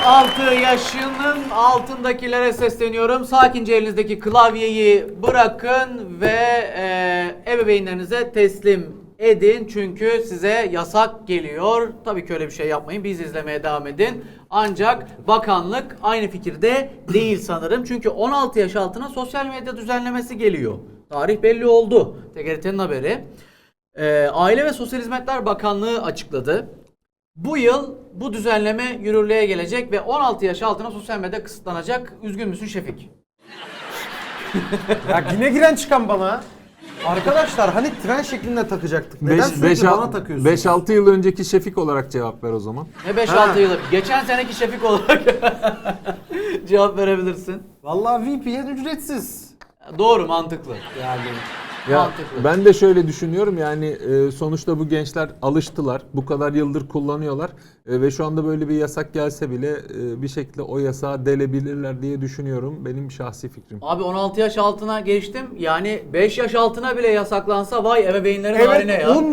16 yaşının altındakilere sesleniyorum. Sakince elinizdeki klavyeyi bırakın ve ebeveynlerinize teslim edin. Çünkü size yasak geliyor. Tabii ki öyle bir şey yapmayın. Biz izlemeye devam edin. Ancak bakanlık aynı fikirde değil sanırım. Çünkü 16 yaş altına sosyal medya düzenlemesi geliyor. Tarih belli oldu. TGRT'nin haberi. Aile ve Sosyal Hizmetler Bakanlığı açıkladı. Bu yıl bu düzenleme yürürlüğe gelecek ve 16 yaş altına sosyal medya kısıtlanacak. Üzgün müsün Şefik? Ya yine giren çıkan bana. Arkadaşlar hani tren şeklinde takacaktık. Neden sürekli bana takıyorsunuz? 5-6 yıl önceki Şefik olarak cevap ver o zaman. Ne 5-6 yılı? Geçen seneki Şefik olarak cevap verebilirsin. Vallahi VPN ücretsiz. Doğru, mantıklı. Yani Ya mantıklı. ben de şöyle düşünüyorum yani sonuçta bu gençler alıştılar. Bu kadar yıldır kullanıyorlar. Ve şu anda böyle bir yasak gelse bile bir şekilde o yasağı delebilirler diye düşünüyorum. Benim şahsi fikrim. Abi 16 yaş altına geçtim. Yani 5 yaş altına bile yasaklansa vay ebeveynlerin haline evet, ya.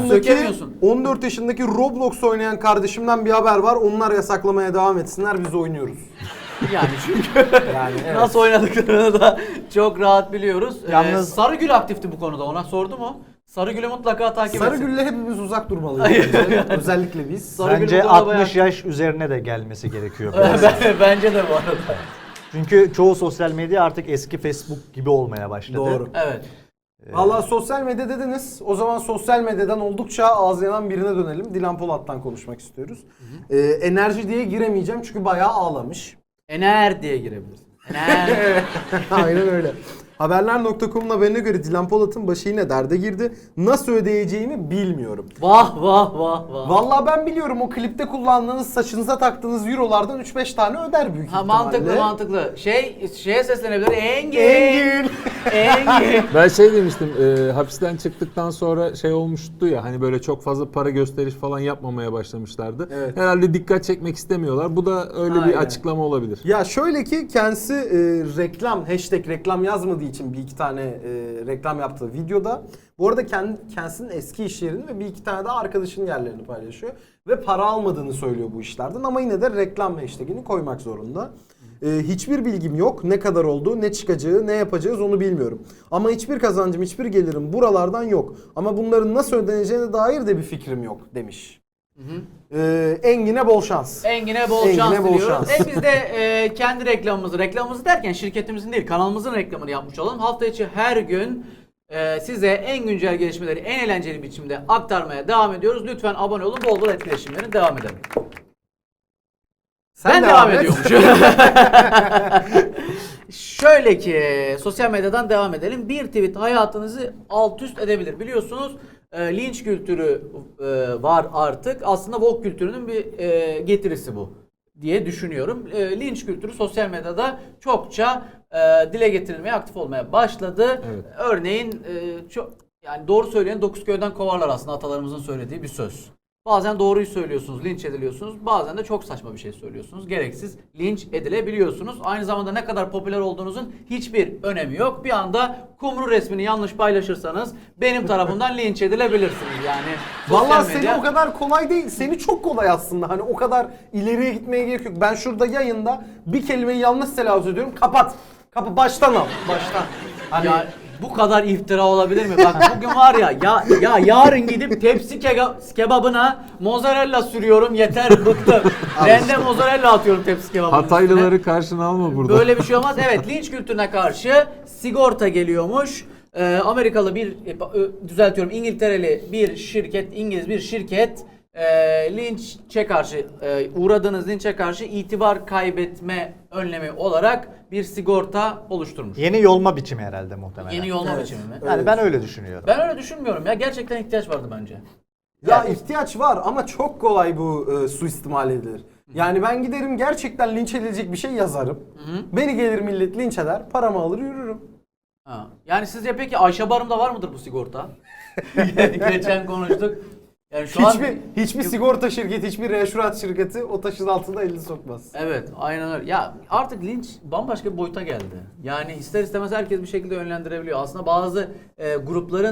14 yaşındaki Roblox oynayan kardeşimden bir haber var. Onlar yasaklamaya devam etsinler, biz oynuyoruz. Yani çünkü Yani evet. nasıl oynadıklarını da çok rahat biliyoruz. Yalnız- Sarıgül aktifti bu konuda. Ona sordu mu? Sarıgül'ü mutlaka takip etsin. Sarıgül'le hepimiz uzak durmalıyız. bence. Özellikle biz. Sarıgül Bence bu konuda 60 yaş üzerine de gelmesi gerekiyor. Bence de bu arada. Çünkü çoğu sosyal medya artık eski Facebook gibi olmaya başladı. Doğru. Evet. Valla sosyal medya dediniz. O zaman sosyal medyadan oldukça ağız yanan birine dönelim. Dilan Polat'tan konuşmak istiyoruz. Enerji diye giremeyeceğim çünkü bayağı ağlamış. Ener diye girebilirsin. Ener. Aynen öyle. Haberler.com'un haberine göre Dilan Polat'ın başı yine derde girdi. Nasıl ödeyeceğimi bilmiyorum. Vah vah vah vah. Vallahi ben biliyorum, o klipte kullandığınız, saçınıza taktığınız eurolardan 3-5 tane öder büyük Ha, ihtimalle. mantıklı. Şeye seslenebilir. Engin. Engin. Engin. Ben şey demiştim, hapisten çıktıktan sonra şey olmuştu ya, hani böyle çok fazla para gösteriş falan yapmamaya başlamışlardı. Evet. Herhalde dikkat çekmek istemiyorlar. Bu da öyle Aynen. bir açıklama olabilir. Ya şöyle ki kendisi reklam, hashtag reklam yazmadığı için bir iki tane reklam yaptığı videoda. Bu arada kendisinin eski iş yerini ve bir iki tane de arkadaşının yerlerini paylaşıyor. Ve para almadığını söylüyor bu işlerden ama yine de reklam hashtagini koymak zorunda. Hiçbir bilgim yok. Ne kadar olduğu, ne çıkacağı, ne yapacağız onu bilmiyorum. Ama hiçbir kazancım, hiçbir gelirim buralardan yok. Ama bunların nasıl ödeneceğine dair de bir fikrim yok demiş. Engin'e bol şans. Engin'e bol Engin'e şans bol diliyoruz. şans. Biz de kendi reklamımızı derken şirketimizin değil, kanalımızın reklamını yapmış olalım. Hafta içi her gün size en güncel gelişmeleri en eğlenceli biçimde aktarmaya devam ediyoruz. Lütfen abone olun, bol bol etkileşimlerini devam edelim. Ben devam ediyormuşum. Şöyle ki sosyal medyadan devam edelim. Bir tweet hayatınızı alt üst edebilir. Biliyorsunuz linç kültürü var artık. Aslında woke kültürünün bir getirisi bu diye düşünüyorum. Linç kültürü sosyal medyada çokça dile getirilmeye, aktif olmaya başladı. Evet. Örneğin çok, yani doğru söyleyen 9 köyden kovarlar aslında atalarımızın söylediği bir söz. Bazen doğruyu söylüyorsunuz, linç ediliyorsunuz. Bazen de çok saçma bir şey söylüyorsunuz. Gereksiz linç edilebiliyorsunuz. Aynı zamanda ne kadar popüler olduğunuzun hiçbir önemi yok. Bir anda kumru resmini yanlış paylaşırsanız benim tarafımdan linç edilebilirsiniz. Yani Vallahi sosyal seni o kadar kolay değil. Seni çok kolay aslında. Hani o kadar ileriye gitmeye gerek yok. Ben şurada yayında bir kelimeyi yanlış telaffuz ediyorum. Kapat. Baştan al. Baştan. Hani Ya bu kadar iftira olabilir mi? Bak bugün var ya yarın gidip tepsi kebabına mozzarella sürüyorum, yeter bıktım. Rende mozzarella atıyorum tepsi kebabının Hataylıları üstüne. karşına alma burada. Böyle bir şey olmaz. Evet, linç kültürüne karşı sigorta geliyormuş. Amerikalı düzeltiyorum, İngiltereli bir şirket, İngiliz bir şirket linçe karşı uğradığınız linçe karşı itibar kaybetme önlemi olarak bir sigorta oluşturmuş. Yeni yolma biçimi herhalde muhtemelen. Yeni yolma Evet. biçimi mi? Yani ben öyle düşünüyorum. Ben öyle düşünmüyorum ya. Gerçekten ihtiyaç vardı bence. ya ihtiyaç var ama çok kolay bu suistimal edilir. Yani ben giderim gerçekten linç edilecek bir şey yazarım. Beni gelir millet linç eder, paramı alır yürürüm. Ha. Yani sizce peki Ayşe Barım'da var mıdır bu sigorta? Geçen konuştuk. Yani şu an Hiçbir sigorta şirketi, hiçbir reşurat şirketi o taşın altında elini sokmaz. evet, aynen öyle. Ya artık linç bambaşka bir boyuta geldi. Yani ister istemez herkes bir şekilde yönlendirebiliyor. Aslında bazı grupların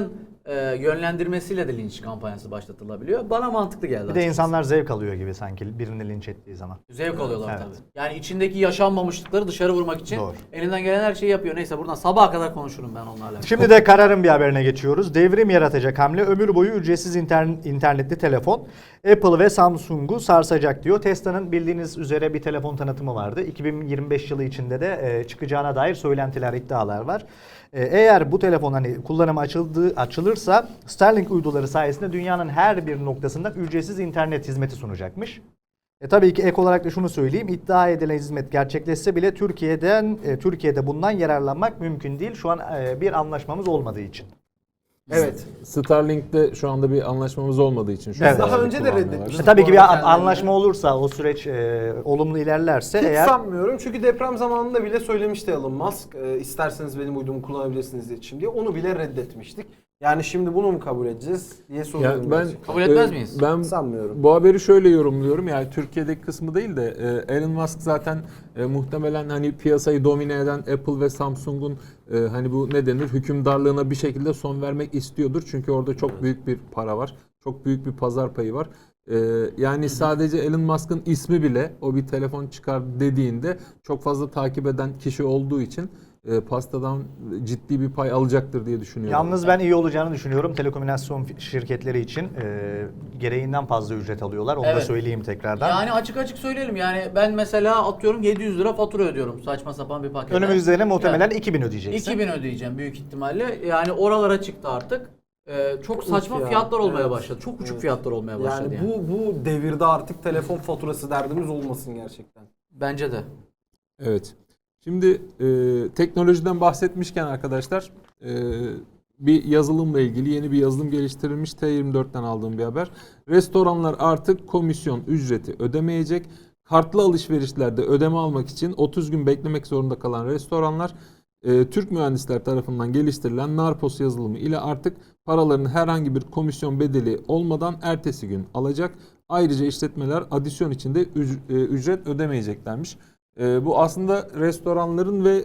yönlendirmesiyle de linç kampanyası başlatılabiliyor. Bana mantıklı geldi. Bir de açıkçası. insanlar zevk alıyor gibi sanki birini linç ettiği zaman. Zevk alıyorlar Evet. tabii. Yani içindeki yaşanmamışlıkları dışarı vurmak için Doğru. elinden gelen her şeyi yapıyor. Neyse buradan sabaha kadar konuşurum ben onlarla. Şimdi de kararın bir haberine geçiyoruz. Devrim yaratacak hamle ömür boyu ücretsiz internetli telefon Apple ve Samsung'u sarsacak diyor. Tesla'nın bildiğiniz üzere bir telefon tanıtımı vardı. 2025 yılı içinde de çıkacağına dair söylentiler, iddialar var. Eğer bu telefon hani kullanıma açılırsa Starlink uyduları sayesinde dünyanın her bir noktasında ücretsiz internet hizmeti sunacakmış. Tabii ki ek olarak da şunu söyleyeyim. İddia edilen hizmet gerçekleşse bile Türkiye'de bundan yararlanmak mümkün değil. Şu an bir anlaşmamız olmadığı için. Evet. Starlink'te şu anda bir anlaşmamız olmadığı için şu Evet. anda Daha önce de kullanmıyorlar. reddetmiştik. Tabii ki Bu arada bir kendilerine. anlaşma olursa o süreç olumlu ilerlerse Hiç eğer sanmıyorum çünkü deprem zamanında bile söylemişti Elon Musk. İsterseniz benim uydumu kullanabilirsiniz iletişim diye. Onu bile reddetmiştik. Yani şimdi bunu mu kabul edeceğiz diye soruyorum. Yani ben gerçekten. Kabul etmez miyiz? Ben Sanmıyorum. bu haberi şöyle yorumluyorum. Yani Türkiye'deki kısmı değil de Elon Musk zaten muhtemelen hani piyasayı domine eden Apple ve Samsung'un hani bu ne denir hükümdarlığına bir şekilde son vermek istiyordur. Çünkü orada çok büyük bir para var. Çok büyük bir pazar payı var. Yani sadece Elon Musk'ın ismi bile o bir telefon çıkar dediğinde çok fazla takip eden kişi olduğu için pastadan ciddi bir pay alacaktır diye düşünüyorum. yalnız ben iyi olacağını düşünüyorum. Telekomünikasyon şirketleri için gereğinden fazla ücret alıyorlar. Onu da Evet. söyleyeyim tekrardan. Yani açık söyleyelim yani ben mesela atıyorum 700 lira fatura ödüyorum saçma sapan bir paket. Önümüzde muhtemelen Yani 2000 ödeyeceksin. 2000 ödeyeceğim büyük ihtimalle. Yani oralara çıktı artık. Çok saçma ya. fiyatlar olmaya Evet. başladı. Çok uçuk Evet. fiyatlar olmaya başladı Yani yani. bu devirde artık telefon faturası derdimiz olmasın gerçekten. Bence de. Evet. Şimdi teknolojiden bahsetmişken arkadaşlar bir yazılımla ilgili yeni bir yazılım geliştirilmiş T24'ten aldığım bir haber. Restoranlar artık komisyon ücreti ödemeyecek. Kartlı alışverişlerde ödeme almak için 30 gün beklemek zorunda kalan restoranlar Türk mühendisler tarafından geliştirilen Narpos yazılımı ile artık paralarını herhangi bir komisyon bedeli olmadan ertesi gün alacak. Ayrıca işletmeler adisyon içinde ücret ödemeyeceklermiş. Bu aslında restoranların ve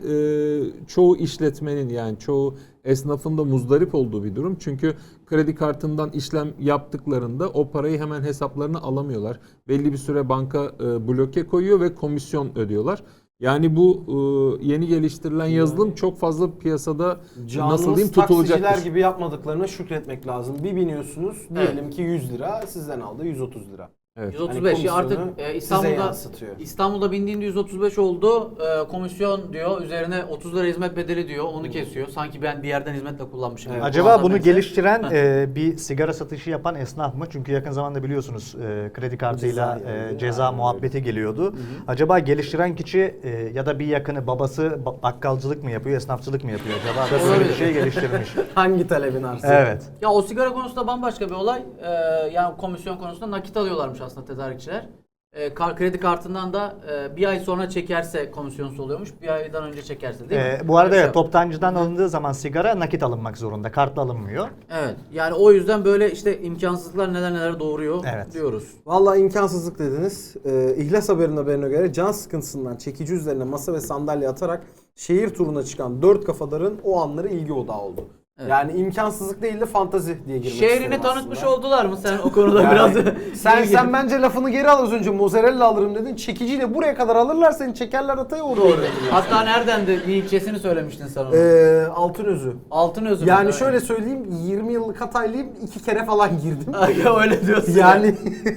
çoğu işletmenin yani çoğu esnafın da muzdarip olduğu bir durum. Çünkü kredi kartından işlem yaptıklarında o parayı hemen hesaplarına alamıyorlar. Belli bir süre banka bloke koyuyor ve komisyon ödüyorlar. Yani bu yeni geliştirilen yazılım çok fazla piyasada nasıl diyeyim taksiciler tutulacaktır. gibi yapmadıklarına şükretmek lazım. Bir biniyorsunuz diyelim ki 100 lira sizden aldı 130 lira. Evet. 135 Hani artık komisyonu size İstanbul'da yansıtıyor. İstanbul'da bindiğinde 135 oldu. Komisyon diyor. Üzerine 30 lira hizmet bedeli diyor. Onu kesiyor. Sanki ben bir yerden hizmetle kullanmışım. Evet. gibi. Acaba Bazen bunu neyse. geliştiren bir sigara satışı yapan esnaf mı? Çünkü yakın zamanda biliyorsunuz kredi kartıyla ceza muhabbeti geliyordu. Acaba geliştiren kişi ya da bir yakını babası bakkalcılık mı yapıyor, esnafçılık mı yapıyor? Acaba da böyle bir Olabilir. şey geliştirmiş. Hangi talebin arzu? Evet. Ya o sigara konusunda bambaşka bir olay. Yani komisyon konusunda nakit alıyorlarmış aslında tedarikçiler. Kredi kartından da bir ay sonra çekerse komisyonsu oluyormuş. Bir aydan önce çekerse değil mi? Bu arada Öyle bir evet, şey. toptancıdan alındığı zaman sigara nakit alınmak zorunda. Kartla alınmıyor. Evet. Yani o yüzden böyle işte imkansızlıklar neler doğuruyor Evet. diyoruz. Vallahi imkansızlık dediniz. İhlas haberine göre can sıkıntısından çekici üzerine masa ve sandalye atarak şehir turuna çıkan 4 kafadarın o anları ilgi odağı oldu. Evet. Yani imkansızlık değil de fantazi diye girmek Şehrini istedim tanıtmış aslında. oldular mı sen o konuda Yani biraz? sen bence lafını geri al, az önce mozzarella alırım dedin. Çekiciyle buraya kadar alırlar seni, çekerler ataya oraya. Doğru. Hatta nereden de bir ilçesini söylemiştin sen onu. Altınözü. Altınözü. Yani mü? şöyle söyleyeyim, 20 yıllık Hataylıyım, 2 kere falan girdim. Ya öyle diyorsun. Yani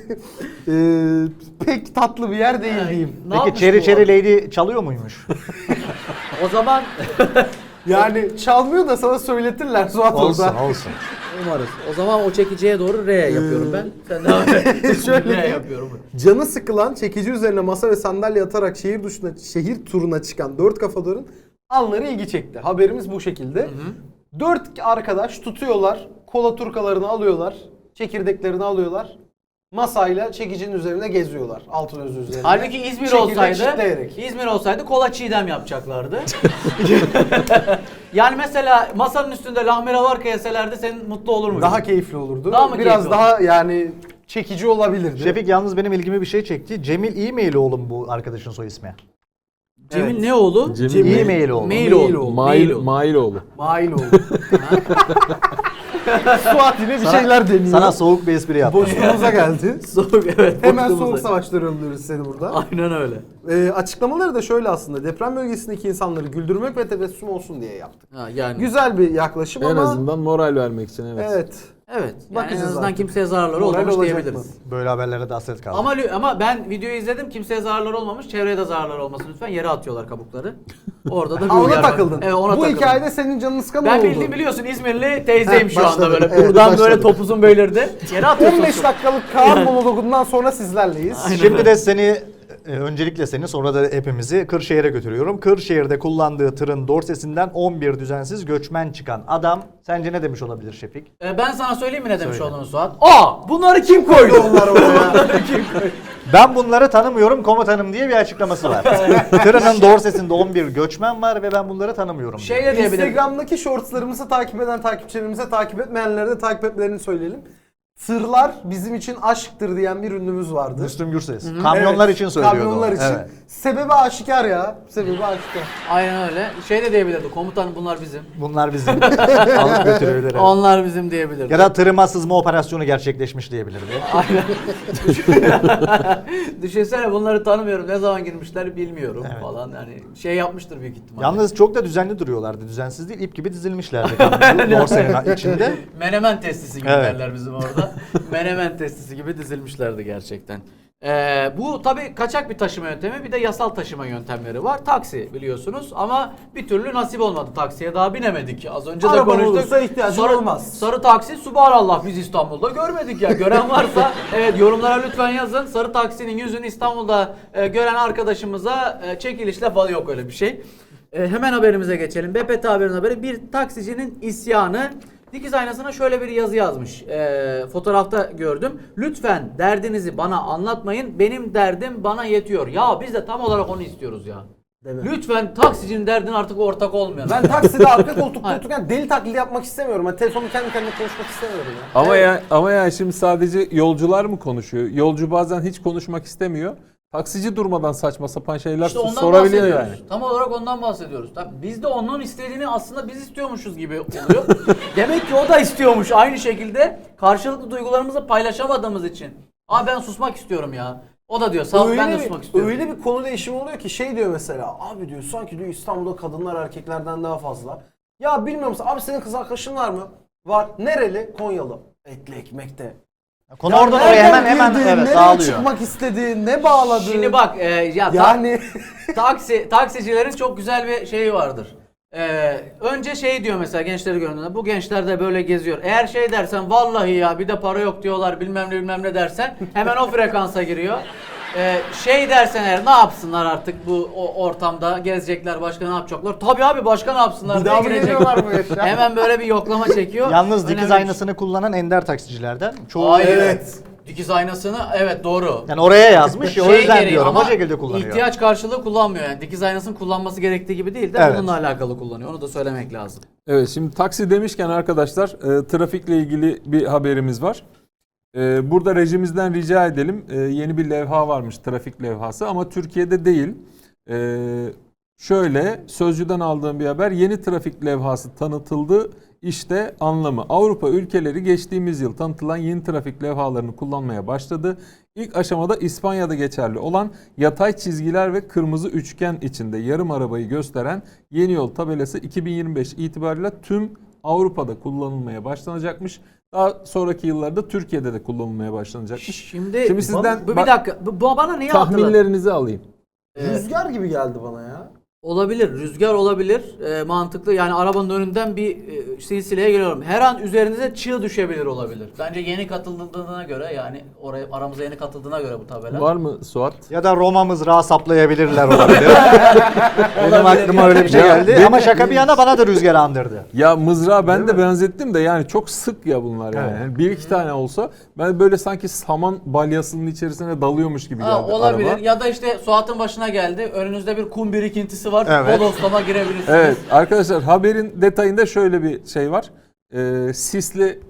pek tatlı bir yer değil diyeyim. Ne Peki yapmış Cherry bu Cherry adam? Lady çalıyor muymuş? O zaman Yani çalmıyor da sana söyletirler Suat olsun orada. olsun. umarız. O zaman o çekiciye doğru R yapıyorum ben. Sen devam et. Şöyle R yapıyorum. Canı sıkılan, çekici üzerine masa ve sandalye atarak şehir turuna çıkan 4 kafadarın anları ilgi çekti. Haberimiz bu şekilde. 4 arkadaş tutuyorlar, kola turkalarını alıyorlar, çekirdeklerini alıyorlar. Masayla çekicinin üzerine geziyorlar. Altınözü üzerine. Halbuki İzmir Çekirdek olsaydı, çitleyerek. İzmir olsaydı kola çiğdem yapacaklardı. Yani mesela masanın üstünde lahmera varka yeselerdi senin mutlu olur muydun? Daha keyifli olurdu. Daha mı Biraz keyifli daha yani çekici olabilirdi. Şefik yalnız benim ilgimi bir şey çekti. Cemil İğmeyli oğlum bu arkadaşın soy ismi. Cemil Evet. ne oğlu? Cemil İğmeyli oğlu. Mailoğlu. Mailoğlu. Mail oldu. Suat yine bir şeyler deniyor. Sana soğuk bir espri yaptım. Boşluğumuza geldi. Soğuk, evet. Hemen boşluğumuza. soğuk savaşları öldürürüz seni burada. Aynen öyle. Açıklamaları da şöyle aslında. Deprem bölgesindeki insanları güldürmek ve tebessüm olsun diye yaptık. Ha, yani. Güzel bir yaklaşım En ama azından moral vermek için evet. evet. Evet. Yani en Bakacağız azından artık. kimseye zararları Moral olmamış olacak diyebiliriz. mı? Böyle haberlere de hasret kaldı. Ama ben videoyu izledim. Kimseye zararları olmamış. Çevreye de zararları olmasın lütfen. Yere atıyorlar kabukları. Orada da bir Ha, ona uyarı var. takıldın. Evet, ona Bu takıldım. hikayede senin canın sıkan Ben oldu. bildiğim biliyorsun İzmirli teyzeyim Heh, şu anda başladı. böyle. Evet, Buradan başladı. böyle topuzun belirdi. Yere atıyorsun. 15 dakikalık Kaan monologundan sonra sizlerleyiz. Şimdi de seni öncelikle seni sonra da hepimizi Kırşehir'e götürüyorum. Kırşehir'de kullandığı tırın dorsesinden 11 düzensiz göçmen çıkan adam sence ne demiş olabilir Şefik? Ben sana söyleyeyim mi ne demiş Söyle. olduğunu Suat? Bunları kim koydu? Onlar oraya. Ben bunları tanımıyorum komutanım diye bir açıklaması var. Tırının dorsesinde 11 göçmen var ve ben bunları tanımıyorum diyor. Şey de diyebilirim. Instagram'daki shortslarımızı takip eden takipçilerimize, takip etmeyenlere de takip etmelerini söyleyelim. Tırlar bizim için aşktır diyen bir ünlümüz vardı. Müslüm Gürses. Kamyonlar Evet, için söylüyordu. Kamyonlar onu. için. Evet. Sebebi aşikar ya. Sebebi aşikar. Aynen öyle. Şey de diyebilirdi. Komutanım bunlar bizim. Bunlar bizim alıp götürebilir. Evet. Onlar bizim diyebilirdi. Ya da tırıma sızma operasyonu gerçekleşmiş diyebilirdi. Aynen. Düşünsene bunları tanımıyorum. Ne zaman girmişler bilmiyorum falan. Yani şey yapmıştır büyük ihtimalle. Yalnız çok da düzenli duruyorlardı. Düzensiz değil, ip gibi dizilmişlerdi kamyonun dorsenin içinde. Menemen testisi gibi Evet. derler bizim orada. Menemen testisi gibi dizilmişlerdi gerçekten. Bu tabii kaçak bir taşıma yöntemi, bir de yasal taşıma yöntemleri var. Taksi biliyorsunuz ama bir türlü nasip olmadı, taksiye daha binemedik. Az önce de Araba konuştuk. olursa ihtiyacın olmaz. Sarı taksi, subhanallah biz İstanbul'da görmedik ya. Gören varsa evet yorumlara lütfen yazın. Sarı taksinin yüzünü İstanbul'da gören arkadaşımıza çekilişle falan, yok öyle bir şey. Hemen haberimize geçelim. BPT Haber'in haberi, bir taksicinin isyanı. Dikiz aynasına şöyle bir yazı yazmış. Fotoğrafta gördüm. Lütfen derdinizi bana anlatmayın. Benim derdim bana yetiyor. Ya biz de tam olarak onu istiyoruz ya. Değil mi? Lütfen taksicinin derdine artık ortak olmayalım. Ben takside arka koltukta otururken deli taklidi yapmak istemiyorum. Ben telefonu kendi kendime konuşmak istemiyorum ya. Ama ya şimdi sadece yolcular mı konuşuyor? Yolcu bazen hiç konuşmak istemiyor. Taksici durmadan saçma sapan şeyler İşte ondan sorabiliyor bahsediyoruz. yani. Tam olarak ondan bahsediyoruz. Tabii biz de onun istediğini aslında biz istiyormuşuz gibi oluyor. Demek ki o da istiyormuş aynı şekilde. Karşılıklı duygularımızı paylaşamadığımız için. Ben susmak istiyorum ya. O da diyor sağ ol, ben de susmak istiyorum. Öyle bir konu değişimi oluyor ki şey diyor mesela, abi diyor sanki diyor İstanbul'da kadınlar erkeklerden daha fazla. Ya bilmiyor musun abi, senin kız arkadaşın var mı? Var. Nereli? Konyalı. Etli ekmekte. Konu Ya oradan oraya nereden hemen girdi, evet nereye dağılıyor. çıkmak istedi, ne bağladı? Şimdi bak yani taksicilerin çok güzel bir şeyi vardır. Önce şey diyor mesela gençleri gördüğünde, bu gençler de böyle geziyor. Eğer şey dersen vallahi ya bir de para yok diyorlar bilmem ne dersen hemen o frekansa giriyor. Şey dersen eğer ne yapsınlar artık bu ortamda gezecekler, başka ne yapacaklar? Tabii abi başka ne yapsınlar Bir diye daha mı girecek. geliyorlar bu yaşa? Hemen böyle bir yoklama çekiyor. Yalnız Önemli dikiz bir aynasını kullanan ender taksicilerden. Çoğu Hayır. Evet. Dikiz aynasını evet doğru. yani oraya yazmış ya o Şey yüzden gereği diyorum ama o şekilde kullanıyor. ihtiyaç karşılığı kullanmıyor yani. Dikiz aynasının kullanması gerektiği gibi değil de Evet. bununla alakalı kullanıyor. Onu da söylemek lazım. Evet, şimdi taksi demişken arkadaşlar trafikle ilgili bir haberimiz var. Burada rejimizden rica edelim. Yeni bir levha varmış, trafik levhası ama Türkiye'de değil. Şöyle Sözcü'den aldığım bir haber, yeni trafik levhası tanıtıldı. İşte anlamı. Avrupa ülkeleri geçtiğimiz yıl tanıtılan yeni trafik levhalarını kullanmaya başladı. İlk aşamada İspanya'da geçerli olan yatay çizgiler ve kırmızı üçgen içinde yarım arabayı gösteren yeni yol tabelası 2025 itibariyle tüm Avrupa'da kullanılmaya başlanacakmış. Daha sonraki yıllarda Türkiye'de de kullanılmaya başlanacakmış. Şimdi sizden bu bir dakika. Bu bana niye hatırladı? tahminlerinizi alayım. Rüzgar gibi geldi bana ya. Olabilir. Rüzgar olabilir. Mantıklı. Yani arabanın önünden bir silsileye geliyorum. Her an üzerinize çığ düşebilir olabilir. Bence yeni katıldığına göre, yani oraya aramıza yeni katıldığına göre bu tabela. Var mı Suat? Ya da Roma mızrağı saplayabilirler olabilir. Benim aklıma öyle bir şey Ya, geldi. benim- Ama şaka bir yana bana da rüzgar andırdı. Ya mızrağı ben de benzettim de yani çok sık ya bunlar yani. Evet. Yani bir iki tane olsa ben böyle sanki saman balyasının içerisine dalıyormuş gibi geldi Olabilir. araba. Ya da işte Suat'ın başına geldi. Önünüzde bir kum birikintisi var. Evet. Bodoslama girebilirsiniz. Evet arkadaşlar, haberin detayında şöyle bir şey var. Sisli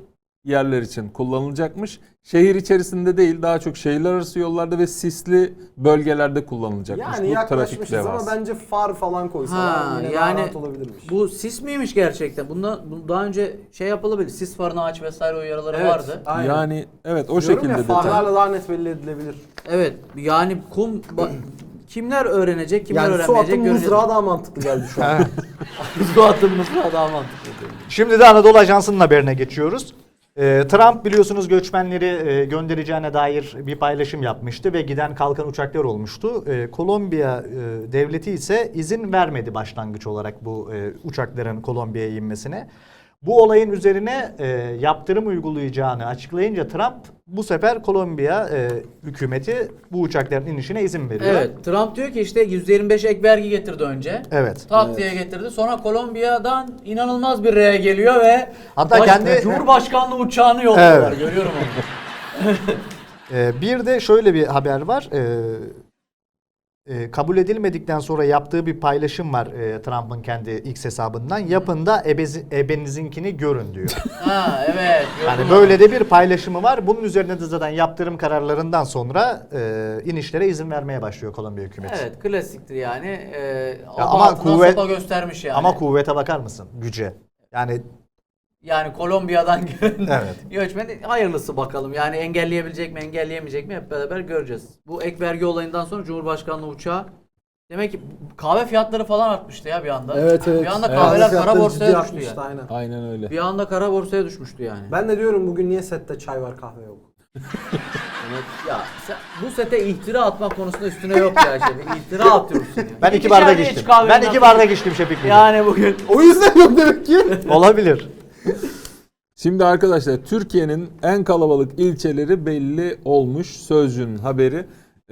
yerler için kullanılacakmış. Şehir içerisinde değil, daha çok şehirler arası yollarda ve sisli bölgelerde kullanılacakmış. Yani Bu yaklaşmışız trafik ama levhası. bence far falan koysalar Ha, yine yani daha rahat olabilirmiş. bu sis miymiş gerçekten? Bunda daha önce şey yapılabilir. Sis farını aç vesaire uyarıları Evet, vardı. aynen. Yani evet o Diyorum şekilde ya, detay. farlarla daha net belli edilebilir. Evet yani kimler öğrenecek, kimler Yani su öğrenmeyecek atım göreceğiz. mızrağı daha mantıklı geldi şu an. Su atım mızrağı daha mantıklı. Şimdi de Anadolu Ajansı'nın haberine geçiyoruz. Trump biliyorsunuz göçmenleri göndereceğine dair bir paylaşım yapmıştı ve giden kalkan uçaklar olmuştu. Kolombiya devleti ise izin vermedi başlangıç olarak bu uçakların Kolombiya'ya inmesine. Bu olayın üzerine yaptırım uygulayacağını açıklayınca Trump bu sefer Kolombiya hükümeti bu uçakların inişine izin veriyor. Evet, Trump diyor ki işte %25 ek vergi getirdi önce. Evet. Tak diye getirdi. Sonra Kolombiya'dan inanılmaz bir reye geliyor ve Hatta kendi- Cumhurbaşkanlığı uçağını yolluyorlar. Evet. Görüyorum onu. Bir de şöyle bir haber var. Kabul edilmedikten sonra yaptığı bir paylaşım var Trump'ın kendi X hesabından. Yapın da ebenizinkini görün diyor. Ha evet. Yani gördüm böyle onu. de bir paylaşımı var. Bunun üzerine de zaten yaptırım kararlarından sonra inişlere izin vermeye başlıyor Kolombiya hükümeti. Evet klasiktir yani. ama Ama kuvvet- sopa göstermiş yani. Ama kuvvete bakar mısın? Güce. Yani Kolombiya'dan gelen Evet. göçmen hayırlısı bakalım. Yani engelleyebilecek mi engelleyemeyecek mi hep beraber göreceğiz. Bu ek vergi olayından sonra Cumhurbaşkanlığı uçağı demek ki kahve fiyatları falan artmıştı ya bir anda. Evet evet. Bir anda Evet. kahveler kara Fiyatları borsaya ciddi düştü artmıştı, yani. aynen. Aynen öyle. Bir anda kara borsaya düşmüştü yani. Ben de diyorum bugün niye sette çay var kahve yok. Ya bu sete ihtira atmak konusunda üstüne yok ya şey. İhtira atıyorsun ya. ben iki İkişer bardak diye içtim. iç kahvenin Ben iki altına- bardak içtim Şefik Bey. Yani bugün O yüzden yok demek ki. Olabilir. Şimdi arkadaşlar Türkiye'nin en kalabalık ilçeleri belli olmuş. Sözcü'nün haberi.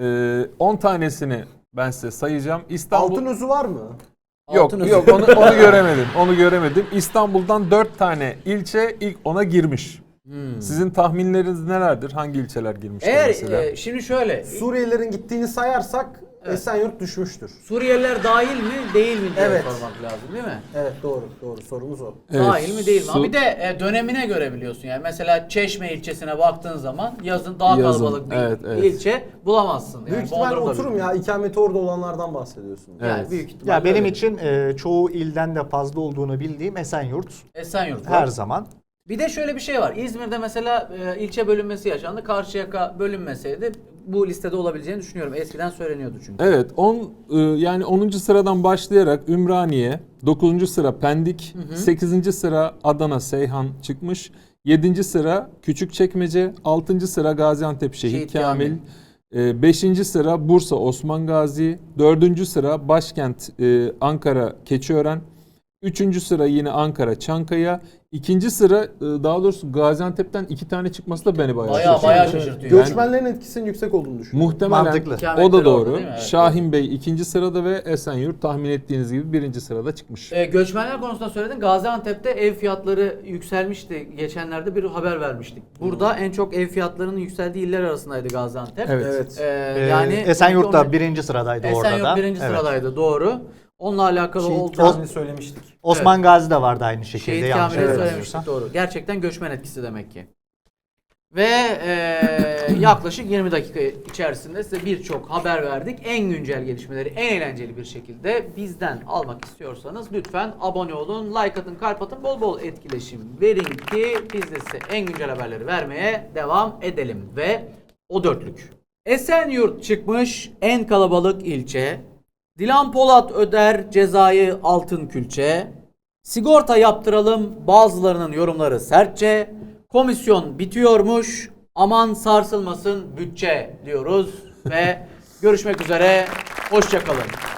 10 tanesini ben size sayacağım. İstanbul Altın özü var mı? Yok Altın yok onu göremedim. Onu göremedim. İstanbul'dan 4 tane ilçe ilk 10'a girmiş. Sizin tahminleriniz nelerdir? Hangi ilçeler girmiştir mesela? eğer şimdi şöyle Suriyelilerin gittiğini sayarsak Esenyurt düşmüştür. Suriyeliler dahil mi değil mi diye Evet. sormak lazım değil mi? Evet doğru sorumuz o. Evet, Dahil mi değil mi? su- Ama bir de dönemine göre biliyorsun yani. Mesela Çeşme ilçesine baktığın zaman yazın daha Yazın, kalabalık bir evet. ilçe bulamazsın. Yani Büyük ihtimal Bodrum'da oturum bile. ya ikameti orada olanlardan bahsediyorsun. Yani Evet. büyük ihtimalle Ya benim öyle. için çoğu ilden de fazla olduğunu bildiğim Esenyurt Esenyurt var. her zaman. Bir de şöyle bir şey var. İzmir'de mesela ilçe bölünmesi yaşandı. Karşıyaka bölünmeseydi bu listede olabileceğini düşünüyorum. Eskiden söyleniyordu çünkü. Evet, yani 10. sıradan başlayarak Ümraniye, 9. sıra Pendik, 8. sıra Adana Seyhan çıkmış. 7. sıra Küçükçekmece, 6. sıra Gaziantep Şehit Şehit Kamil, 5. sıra Bursa Osman Gazi, 4. sıra başkent Ankara Keçiören, 3. sıra yine Ankara Çankaya, 2. sıra daha doğrusu Gaziantep'ten 2 tane çıkması da beni bayağı şaşırttı. Bayağı şaşırtıyor. Göçmenlerin etkisinin yüksek olduğunu düşünüyorum. Muhtemelen Mantıklı. o Kametleri da orada doğru. değil mi? Evet, Şahin Bey 2. sırada ve Esenyurt tahmin ettiğiniz gibi 1. sırada çıkmış. Göçmenler konusunda söyledin. Gaziantep'te ev fiyatları yükselmişti. Geçenlerde bir haber vermiştik. Burada en çok ev fiyatlarının yükseldiği iller arasındaydı Gaziantep. Evet. Yani Esenyurt da onun- birinci sıradaydı orada da. Esenyurt birinci Evet. sıradaydı doğru. Onunla alakalı Şehit oldu. Kamil'i söylemiştik. Osman Gazi de vardı aynı şekilde. Şehit yanlış Kamil'i hatırlamıyorsam. söylemiştik doğru. Gerçekten göçmen etkisi demek ki. Ve yaklaşık 20 dakika içerisinde size birçok haber verdik. En güncel gelişmeleri en eğlenceli bir şekilde bizden almak istiyorsanız lütfen abone olun, like atın, kalp atın, bol bol etkileşim verin ki biz de size en güncel haberleri vermeye devam edelim. Ve o dörtlük. Esenyurt çıkmış en kalabalık ilçe. Dilan Polat öder cezayı altın külçe. Sigorta yaptıralım bazılarının yorumları sertçe. Komisyon bitiyormuş aman sarsılmasın bütçe diyoruz ve görüşmek üzere hoşça kalın.